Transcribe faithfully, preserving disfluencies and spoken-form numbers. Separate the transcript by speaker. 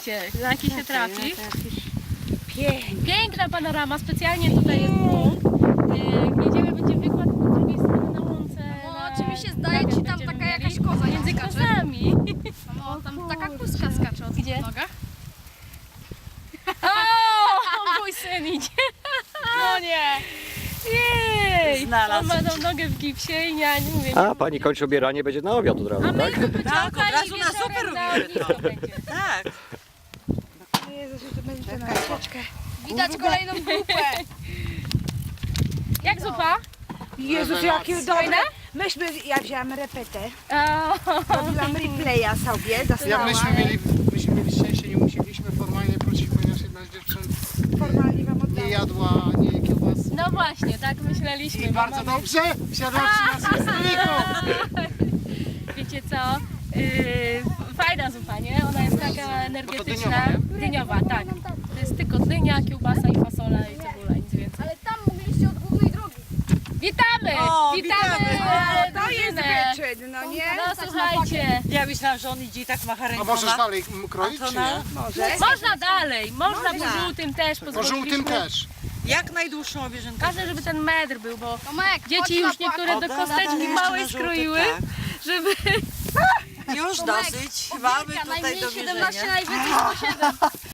Speaker 1: Zobaczcie, jaki się trafi.
Speaker 2: Pięknie.
Speaker 1: Piękna panorama, specjalnie tutaj jest punkt. Yy, Jedziemy, będzie wykład z drugiej strony na łące.
Speaker 3: No,
Speaker 1: na-
Speaker 3: czy mi się zdaje,
Speaker 1: na-
Speaker 3: ci tam
Speaker 1: będziemy
Speaker 3: taka
Speaker 1: mieli.
Speaker 3: jakaś koza
Speaker 1: Między
Speaker 3: skacze?
Speaker 1: kozami.
Speaker 3: No, tam taka kuska skacze od
Speaker 1: Gdzie?
Speaker 3: nogach.
Speaker 1: O, mój syn idzie. No nie. Jej.
Speaker 2: Znalazł.
Speaker 1: On ma tą nogę w gipsie i ja nie mówię.
Speaker 4: A, pani kończy obieranie, będzie na obiad od razu,
Speaker 1: A my
Speaker 4: tak?
Speaker 1: zupy
Speaker 2: Tak,
Speaker 1: ciągali
Speaker 2: od razu
Speaker 1: i
Speaker 2: na zupę
Speaker 1: wieczorem na
Speaker 2: robimy,
Speaker 1: ognisko
Speaker 2: no.
Speaker 1: będzie.
Speaker 2: Tak.
Speaker 5: Jezus, to będzie na troszeczkę.
Speaker 3: Widać kolejną grupę.
Speaker 1: Jak zupa?
Speaker 5: Jezus, jakie dobre. Myśmy, ja wzięłam repetę,
Speaker 1: O,
Speaker 5: robiłam replaya sobie,
Speaker 6: Jak
Speaker 5: dostałam.
Speaker 6: myśmy mieli, myśmy mieli szczęście, nie musieliśmy formalnie prosić, ponieważ jedna z dziewczyn
Speaker 5: Formalnie wam
Speaker 6: nie
Speaker 5: oddałam.
Speaker 6: jadła nie kiełbas.
Speaker 1: no właśnie, tak myśleliśmy.
Speaker 6: I
Speaker 1: bo
Speaker 6: bardzo
Speaker 1: mamy-
Speaker 6: dobrze wsiadła przy nas w stoliku.
Speaker 1: Wiecie co? Yy, fajna zupa, nie? Ona jest taka energetyczna.
Speaker 6: dyniowa,
Speaker 1: Dyniowa, tak. To jest tylko dynia, kiełbasa i fasola i cebula, nic więcej.
Speaker 3: Ale tam mogliście od głównej drogi.
Speaker 1: Witamy!
Speaker 2: O,
Speaker 1: witamy!
Speaker 2: witamy!
Speaker 1: e,
Speaker 5: To jest
Speaker 1: drużynę.
Speaker 5: wyczyn, no nie?
Speaker 1: No słuchajcie,
Speaker 2: Ja myślałam, że on idzie i tak macha
Speaker 6: A
Speaker 2: ręką.
Speaker 6: możesz
Speaker 2: na-
Speaker 6: dalej m, kroić,
Speaker 2: A to
Speaker 6: czy
Speaker 2: na-
Speaker 6: nie?
Speaker 5: Może.
Speaker 1: można dalej, można po
Speaker 2: Można.
Speaker 1: żółtym też,
Speaker 6: Po
Speaker 1: pozwoliliśmy.
Speaker 6: żółtym też.
Speaker 2: Jak najdłuższą obieżynkę.
Speaker 1: Ważne, żeby ten metr był, bo
Speaker 3: Tomek, chodź
Speaker 1: dzieci
Speaker 3: na
Speaker 1: już niektóre
Speaker 2: O,
Speaker 1: do
Speaker 2: da, da, da,
Speaker 1: kosteczki
Speaker 2: jeszcze
Speaker 1: małej
Speaker 2: na żółty,
Speaker 1: skroiły,
Speaker 2: tak.
Speaker 1: żeby...
Speaker 2: Już
Speaker 3: Tomek,
Speaker 2: dosyć. Mamy
Speaker 3: Ogierka,
Speaker 2: tutaj
Speaker 3: najmniej
Speaker 2: do
Speaker 3: siedemnaście,
Speaker 2: mierzenia.
Speaker 3: najwięcej sto siedem.